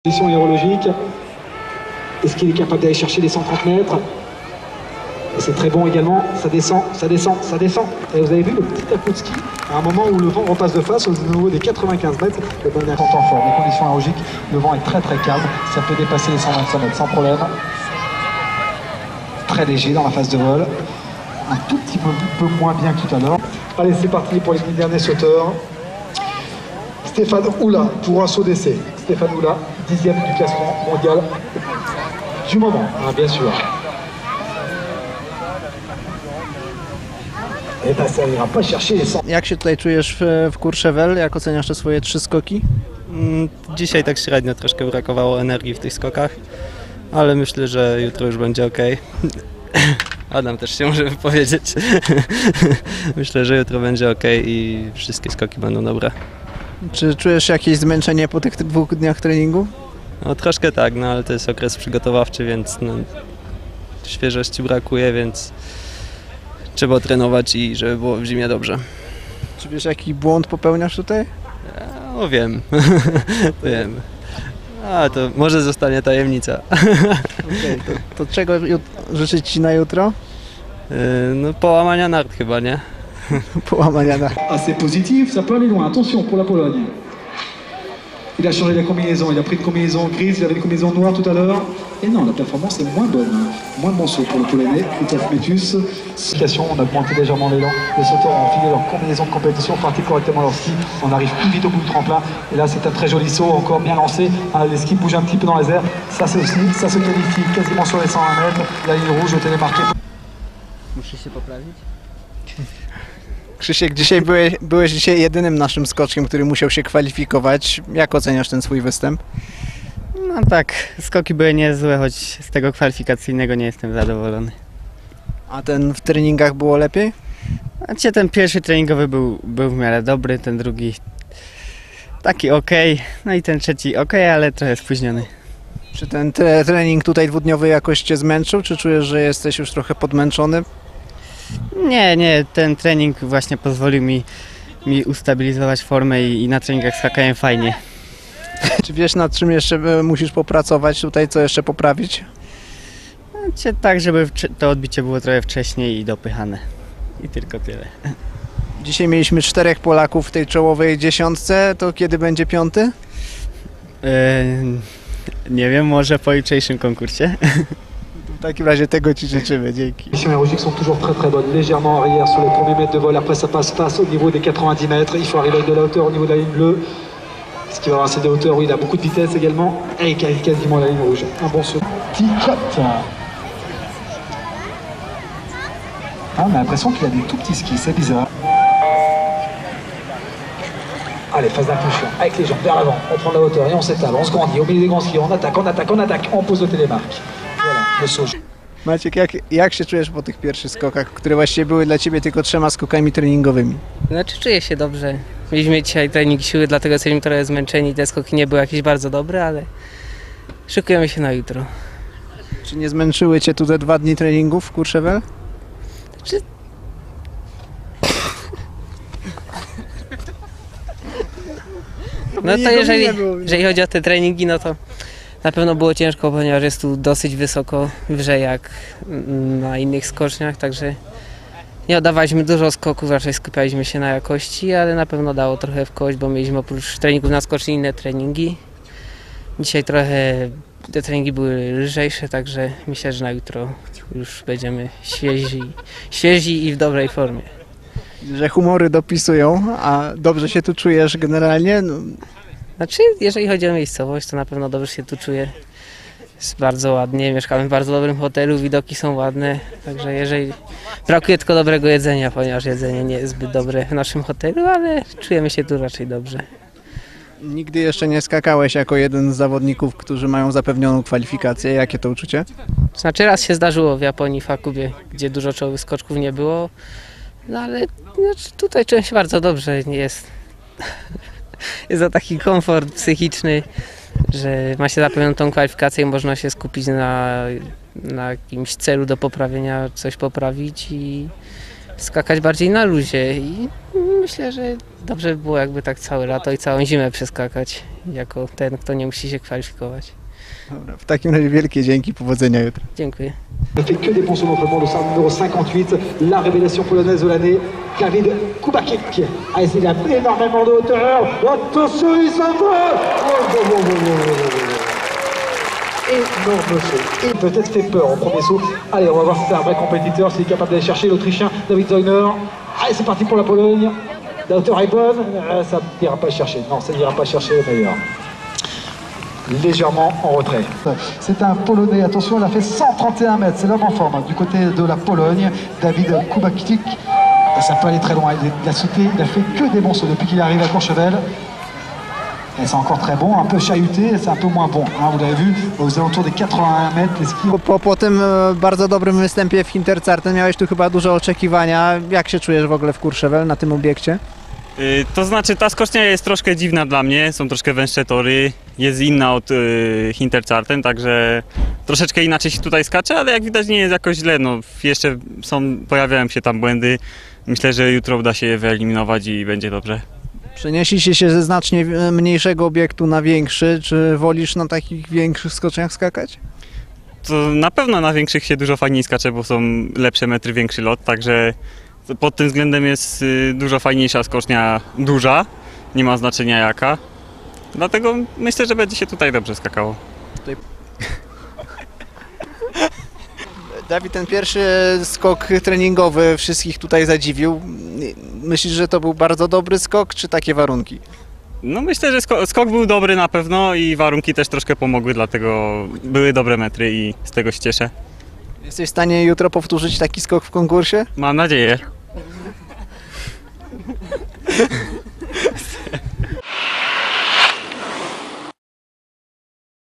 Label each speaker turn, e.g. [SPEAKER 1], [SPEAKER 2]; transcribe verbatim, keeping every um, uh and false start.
[SPEAKER 1] Position aérologique. Est-ce qu'il est capable d'aller chercher les cent trente mètres? Et c'est très bon également. Ça descend, ça descend, ça descend. Et vous avez vu le petit coup de ski à un moment où le vent repasse de face au niveau des quatre-vingt-quinze mètres. Le bon est en temps fort. Les conditions aérologiques, le vent est très très calme. Ça peut dépasser les cent vingt-cinq mètres sans problème. Très léger dans la phase de vol. Un tout petit peu, peu moins bien que tout à l'heure. Allez, c'est parti pour les derniers sauteurs. Stéphane Oula pour un saut d'essai. Stéphane Oula, dixième du classement mondial du moment, hein, bien sûr. Et ben, ça ira pas chercher les cent.
[SPEAKER 2] Jak się tutaj czujesz w, w Courchevel? Jak oceniasz te swoje trzy skoki?
[SPEAKER 3] Dzisiaj tak średnio, troszkę brakowało energii w tych skokach, ale myślę, że jutro już będzie ok. Adam też się może wypowiedzieć. Myślę, że jutro będzie ok i wszystkie skoki będą dobre.
[SPEAKER 2] Czy czujesz jakieś zmęczenie po tych dwóch dniach treningu?
[SPEAKER 3] No troszkę tak, no ale to jest okres przygotowawczy, więc no, świeżości brakuje, więc trzeba trenować i żeby było w zimie dobrze.
[SPEAKER 2] Czy wiesz, jaki błąd popełniasz tutaj?
[SPEAKER 3] No wiem, wiem. A to może zostanie tajemnica.
[SPEAKER 2] Okay, to, to czego życzyć Ci na jutro?
[SPEAKER 3] No połamania nart chyba, nie?
[SPEAKER 2] Połamania nart.
[SPEAKER 1] Assez positif, ça peut aller loin. Attention pour la Pologne. Il a changé la combinaison, il a pris une combinaison grise, il avait une combinaison noire tout à l'heure. Et non, la performance est moins bonne, moins bon saut pour le Polonais, Christophe Métus. On a augmenté légèrement l'élan, les sauteurs ont enfilé leur combinaison de compétition, parti correctement leur ski, on arrive plus vite au bout du tremplin. Et là c'est un très joli saut, encore bien lancé, les skis bougent un petit peu dans les airs, ça, ça se qualifie quasiment sur les cent vingt mètres, la ligne rouge est démarquée.
[SPEAKER 2] Muszę się poprawić? Krzysiek, dzisiaj byłeś, byłeś dzisiaj jedynym naszym skoczkiem, który musiał się kwalifikować. Jak oceniasz ten swój występ?
[SPEAKER 4] No tak, skoki były niezłe, choć z tego kwalifikacyjnego nie jestem zadowolony.
[SPEAKER 2] A ten w treningach było lepiej?
[SPEAKER 4] Znaczy ten pierwszy treningowy był, był w miarę dobry, ten drugi taki ok, no i ten trzeci ok, ale trochę spóźniony.
[SPEAKER 2] Czy ten tre trening tutaj dwudniowy jakoś Cię zmęczył, czy czujesz, że jesteś już trochę podmęczony?
[SPEAKER 4] Nie, nie, ten trening właśnie pozwolił mi, mi ustabilizować formę i, i na treningach skakałem fajnie.
[SPEAKER 2] Czy wiesz, nad czym jeszcze musisz popracować tutaj, co jeszcze poprawić?
[SPEAKER 4] Znaczy, tak, żeby to odbicie było trochę wcześniej i dopychane. I tylko tyle.
[SPEAKER 2] Dzisiaj mieliśmy czterech Polaków w tej czołowej dziesiątce, to kiedy będzie piąty?
[SPEAKER 4] Yy, nie wiem, może po jutrzejszym konkursie.
[SPEAKER 2] W takim razie tego Ci życzymy, dzięki.
[SPEAKER 1] Les conditions aérologiques sont toujours très très bonnes, légèrement arrière sur les premiers mètres de vol, après ça passe face au niveau des quatre-vingt-dix mètres, il faut arriver avec de la hauteur au niveau de la ligne bleue. Est-ce qu'il va avoir assez de hauteur? Oui, il a beaucoup de vitesse également, et quasiment la ligne rouge. Un bon saut. Petit cut. Ah, on a l'impression qu'il a des tout petits skis, c'est bizarre. Allez, phase d'impulsion, avec les jambes vers l'avant, on prend de la hauteur et on s'étale, on se grandit, au milieu des grands skis, on attaque, on attaque, on attaque, on pose le télémarque. Voilà, le saut.
[SPEAKER 2] Maciek, jak, jak się czujesz po tych pierwszych skokach, które właściwie były dla Ciebie tylko trzema skokami treningowymi?
[SPEAKER 5] Znaczy czuję się dobrze. Mieliśmy dzisiaj trening siły, dlatego jesteśmy trochę zmęczeni. Te skoki nie były jakieś bardzo dobre, ale szykujemy się na jutro.
[SPEAKER 2] Czy nie zmęczyły Cię tu te dwa dni treningów w Courchevel?
[SPEAKER 5] Znaczy... No to jeżeli, jeżeli chodzi o te treningi, no to na pewno było ciężko, ponieważ jest tu dosyć wysoko, wyżej jak na innych skoczniach, także nie oddawaliśmy dużo skoków, raczej skupialiśmy się na jakości, ale na pewno dało trochę w kość, bo mieliśmy oprócz treningów na skoczni inne treningi. Dzisiaj trochę te treningi były lżejsze, także myślę, że na jutro już będziemy świezi, świezi i w dobrej formie.
[SPEAKER 2] Że humory dopisują, a dobrze się tu czujesz generalnie? No.
[SPEAKER 5] Znaczy, jeżeli chodzi o miejscowość, to na pewno dobrze się tu czuję. Jest bardzo ładnie, mieszkamy w bardzo dobrym hotelu, widoki są ładne, także jeżeli... Brakuje tylko dobrego jedzenia, ponieważ jedzenie nie jest zbyt dobre w naszym hotelu, ale czujemy się tu raczej dobrze.
[SPEAKER 2] Nigdy jeszcze nie skakałeś jako jeden z zawodników, którzy mają zapewnioną kwalifikację. Jakie to uczucie?
[SPEAKER 5] Znaczy, raz się zdarzyło w Japonii, w Hakubie, gdzie dużo czołowych skoczków nie było, no ale znaczy, tutaj czułem się bardzo dobrze, jest... Jest to taki komfort psychiczny, że ma się zapewnioną tą kwalifikację i można się skupić na, na jakimś celu do poprawienia, coś poprawić i skakać bardziej na luzie i myślę, że dobrze by było jakby tak całe lato i całą zimę przeskakać jako ten, kto nie musi się kwalifikować.
[SPEAKER 2] Dobra, w takim razie wielkie dzięki, powodzenia jutro.
[SPEAKER 5] Dziękuję.
[SPEAKER 1] Ne fait que des bons sauts d'entraînement, le salon numéro cinquante-huit, la révélation polonaise de l'année, David Kubacek. Ah, il a énormément de hauteur. Attention, il s'envole. Oh, oh, oh, oh, oh, oh, oh. Énorme saut. Et peut-être fait peur au premier saut. Allez, on va voir si c'est un vrai compétiteur, s'il est capable d'aller chercher l'Autrichien David Zeuner. Allez, c'est parti pour la Pologne. La hauteur est bonne. Euh, ça n'ira pas chercher. Non, ça n'ira pas chercher le meilleur. Légèrement en retrait. C'est un Polonais, attention, il a fait cent trente et un mètres, c'est l'homme en forme. Du côté de la Pologne, David Kubacik, ça peut aller très loin, il a sauté, il a fait que des bons sauts depuis qu'il est arrivé à Courchevel. Et c'est encore très bon, un peu chahuté, c'est un peu moins bon, hein, vous l'avez vu, aux alentours des quatre-vingt-un mètres, les skis.
[SPEAKER 2] Po, po, po tym e, bardzo dobrym występie w Hinterzarten miałeś tu chyba duże oczekiwania. Jak się czujesz w ogóle w Courchevel na tym obiekcie?
[SPEAKER 6] Y, To znaczy ta skocznia jest troszkę dziwna dla mnie, są troszkę węższe tory, jest inna od y, Hinterzarten, także troszeczkę inaczej się tutaj skacze, ale jak widać nie jest jakoś źle, no jeszcze są, pojawiają się tam błędy, myślę, że jutro uda się je wyeliminować i będzie dobrze.
[SPEAKER 2] Przeniesiecie się ze znacznie mniejszego obiektu na większy, czy wolisz na takich większych skoczniach skakać?
[SPEAKER 6] To na pewno na większych się dużo fajniej skacze, bo są lepsze metry, większy lot, także pod tym względem jest y, dużo fajniejsza skocznia, duża, nie ma znaczenia jaka. Dlatego myślę, że będzie się tutaj dobrze skakało.
[SPEAKER 2] Dawid, ten pierwszy skok treningowy wszystkich tutaj zadziwił. Myślisz, że to był bardzo dobry skok, czy takie warunki?
[SPEAKER 6] No myślę, że sko- skok był dobry na pewno i warunki też troszkę pomogły, dlatego były dobre metry i z tego się cieszę.
[SPEAKER 2] Jesteś w stanie jutro powtórzyć taki skok w konkursie?
[SPEAKER 6] Mam nadzieję.